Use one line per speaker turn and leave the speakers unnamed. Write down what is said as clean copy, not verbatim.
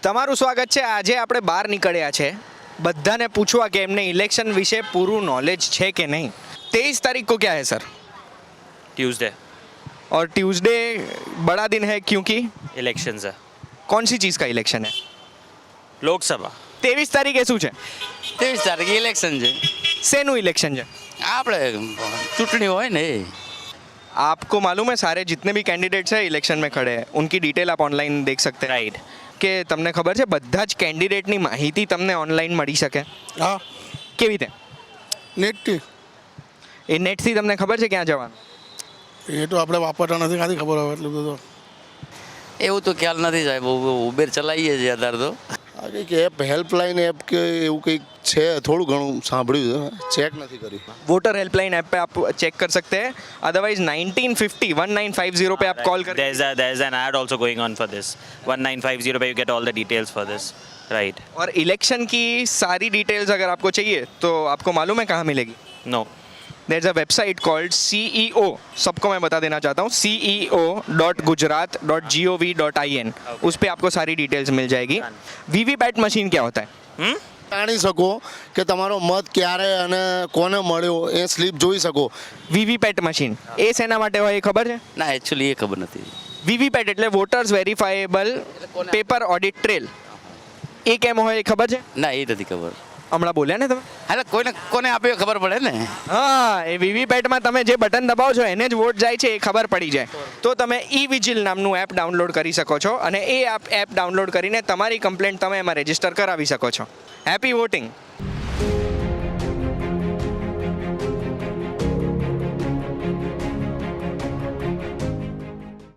તમારું સ્વાગત છે. આજે આપણે બહાર નીકળ્યા છે બધાને પૂછવા કે એમને ઇલેક્શન વિશે પૂરું नॉलेज છે કે नहीं. 23 तारीख को क्या है सर?
ट्यूसडे
और ट्यूसडे बड़ा दिन है क्योंकि
इलेक्शंस है.
कौन सी चीज़ का इलेक्शन है?
લોકસભા
23 તારીખે શું છે?
23 તારીખે ઇલેક્શન છે.
શેનું ઇલેક્શન છે?
આપણે ચૂંટણી હોય ને એ.
आपको मालूम है सारे जितने भी कैंडिडेट्स हैं इलेक्शन में खड़े हैं उनकी डिटेल आप ऑनलाइन देख सकते हैं.
રાઈટ.
કે તમને ખબર છે બધા જ કેન્ડિડેટની માહિતી તમને ઓનલાઈન મળી શકે?
હા
કેવી રીતે?
નેટથી
એ નેટથી તમને ખબર છે ક્યાં જવાનું?
એ તો આપણે વાપરતા નથી ખાલી ખબર હોય એટલું બધું.
એવું તો ખ્યાલ નથી સાહેબ. ઉબેર ચલાવીએ છીએ અત્યારે તો.
આ કંઈક એપ હેલ્પલાઇન એપ કે એવું કંઈક છે, થોડું ઘણું સાંભળ્યું છે, ચેક નથી કર્યું.
वोटर हेल्पलाइन ऐप पे आप चेक कर सकते हैं. अदरवाइज 1950 पे आप कॉल करें.
there's an ad also going on for this 1950 पे you get all the details for this. right.
और इलेक्शन की सारी डिटेल्स अगर आपको चाहिए तो आपको मालूम है कहाँ मिलेगी?
no.
There is a website called CEO. सबको मैं बता देना चाहता हूँ, ceo.gujarat.gov.in. उस पर आपको सारी डिटेल्स मिल जाएगी. वीवीपैट मशीन क्या होता है?
જાણી શકો કે તમારો મત ક્યારે અને કોને મળ્યો એ સ્લીપ જોઈ શકો.
વીવીપેટ મશીન એ શેના માટે હોય એ ખબર છે?
ના એકચ્યુઅલી એ ખબર નથી.
વીવીપેટ એટલે voters verifiable paper audit trail. એ કેમ હોય એ ખબર છે?
ના એ નથી ખબર.
હમણાં બોલ્યા ને તમે.
એટલે કોને આપ્યો ખબર પડે ને.
હા, એ વીવીપેટમાં તમે જે બટન દબાવો છો એને જ વોટ જાય છે એ ખબર પડી જાય. તો તમે ઈ-વિજિલ નામનું એપ ડાઉનલોડ કરી શકો છો અને એ એપ ડાઉનલોડ કરીને તમારી કમ્પ્લેન્ટ તમે એમાં રજીસ્ટર કરાવી શકો છો. Happy voting.